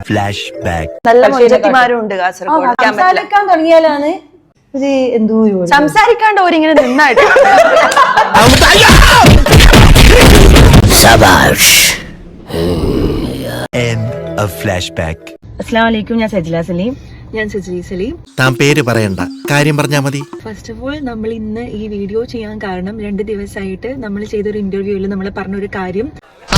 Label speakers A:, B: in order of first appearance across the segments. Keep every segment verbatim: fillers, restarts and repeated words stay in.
A: Flash back.
B: നല്ല മൊഞ്ചത്തിമാരും ഉണ്ട് കാസർഗോഡ്.
C: സംസാരിക്കാൻ തുടങ്ങിയാലാണ് ഒരു എന്തോ
B: സംസാരിക്കാണ്ട് ഓരിങ്ങനെ നിന്നായിട്ട്
A: End of flashback.
C: അസ്സലാമു അലൈക്കും. ഞാൻ സജില സലീം.
B: ഞാൻ സജി സലീം.
D: താൻ പേര് പറയണ്ട, കാര്യം പറഞ്ഞാ മതി.
B: ഫസ്റ്റ് ഓഫ് ഓൾ നമ്മൾ ഇന്ന് ഈ വീഡിയോ ചെയ്യാൻ കാരണം രണ്ട് ദിവസമായിട്ട് നമ്മൾ ചെയ്തൊരു ഇന്റർവ്യൂവിൽ നമ്മൾ പറഞ്ഞൊരു കാര്യം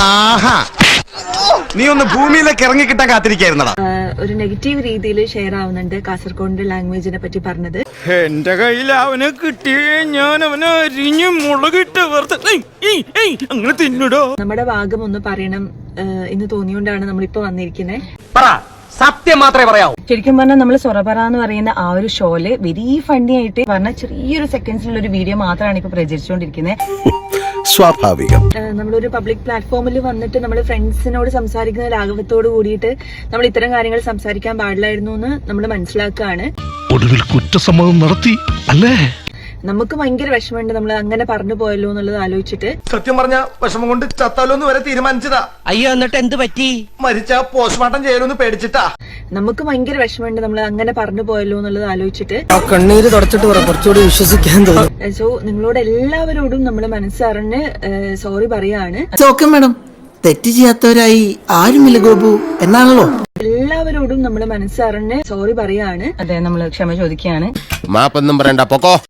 D: നീ ഒന്ന് ഭൂമിയിലേക്ക് ഇറങ്ങിക്കിട്ടാൻ കാത്തിരിക്കായിരുന്നടാ.
B: ഒരു നെഗറ്റീവ് രീതിയിൽ ഷെയർ ആവുന്നുണ്ട് കാസർഗോഡിന്റെ ലാംഗ്വേജിനെ പറ്റി പറഞ്ഞത്.
E: എന്റെ കയ്യിൽ അവനെ കിട്ടിയേ ഞാൻ അവനെ അരിഞ്ഞ് മുളകിട്ട് അങ്ങനെ തിന്നിടോ.
B: നമ്മുടെ ഭാഗം ഒന്ന് പറയണം എന്ന് തോന്നിയോണ്ടാണ് നമ്മളിപ്പോ വന്നിരിക്കുന്നത്.
E: സത്യം മാത്രമേ പറയാവൂ.
C: ശരിക്കും പറഞ്ഞാൽ നമ്മൾ സൊറപറ എന്ന് പറയുന്ന ആ ഒരു ഷോയില് വെരി ഫണ്ണി ആയിട്ട് പറഞ്ഞ ചെറിയൊരു സെക്കൻഡ്സിലുള്ള ഒരു വീഡിയോ മാത്രമാണ് ഇപ്പൊ പ്രചരിച്ചുകൊണ്ടിരിക്കുന്നത്.
D: സ്വാഭാവികം.
B: നമ്മളൊരു പബ്ലിക് പ്ലാറ്റ്ഫോമിൽ വന്നിട്ട് നമ്മൾ ഫ്രണ്ട്സിനോട് സംസാരിക്കുന്ന ലാഘവത്തോട് കൂടിയിട്ട് നമ്മൾ ഇത്തരം കാര്യങ്ങൾ സംസാരിക്കാൻ പാടില്ലായിരുന്നു എന്ന് നമ്മൾ മനസ്സിലാക്കുകയാണ്.
F: ഒടുവിൽ കുറ്റസമ്മതം നടത്തി അല്ലേ?
B: നമുക്ക് ഭയങ്കര വിഷമമുണ്ട് നമ്മൾ അങ്ങനെ പറഞ്ഞു പോയല്ലോ എന്നുള്ളത് ആലോചിച്ചിട്ട്.
G: സത്യം പറഞ്ഞ വിഷമം കൊണ്ട് ചത്താലോന്ന് വരെ തീരുമാനിച്ചതാ.
E: അയ്യോ, എന്നിട്ട് എന്ത് പറ്റി?
G: മരിച്ച പോസ്റ്റ്മോർട്ടം ചെയ്യലൊന്ന് പേടിച്ചിട്ടാ.
B: നമുക്ക് ഭയങ്കര വിഷമമുണ്ട് നമ്മൾ അങ്ങനെ പറഞ്ഞു പോയല്ലോ എന്നുള്ളത് ആലോചിച്ചിട്ട്.
E: കണ്ണീര് തുടച്ചിട്ട് കുറച്ചുകൂടി വിശ്വസിക്കാൻ തോന്നും.
B: സോ നിങ്ങളോട് എല്ലാവരോടും നമ്മൾ മനസ്സറിഞ്ഞ് സോറി പറയാണ്.
H: മേഡം, തെറ്റ് ചെയ്യാത്തവരായി ആരുമില്ല ഗോപു എന്നാണല്ലോ.
B: എല്ലാവരോടും നമ്മൾ മനസ്സറിഞ്ഞ് സോറി പറയാണ്.
C: അതെ, നമ്മൾ ക്ഷമ ചോദിക്കുകയാണ്.
D: മാപ്പൊന്നും പറയണ്ട, പൊക്കോ.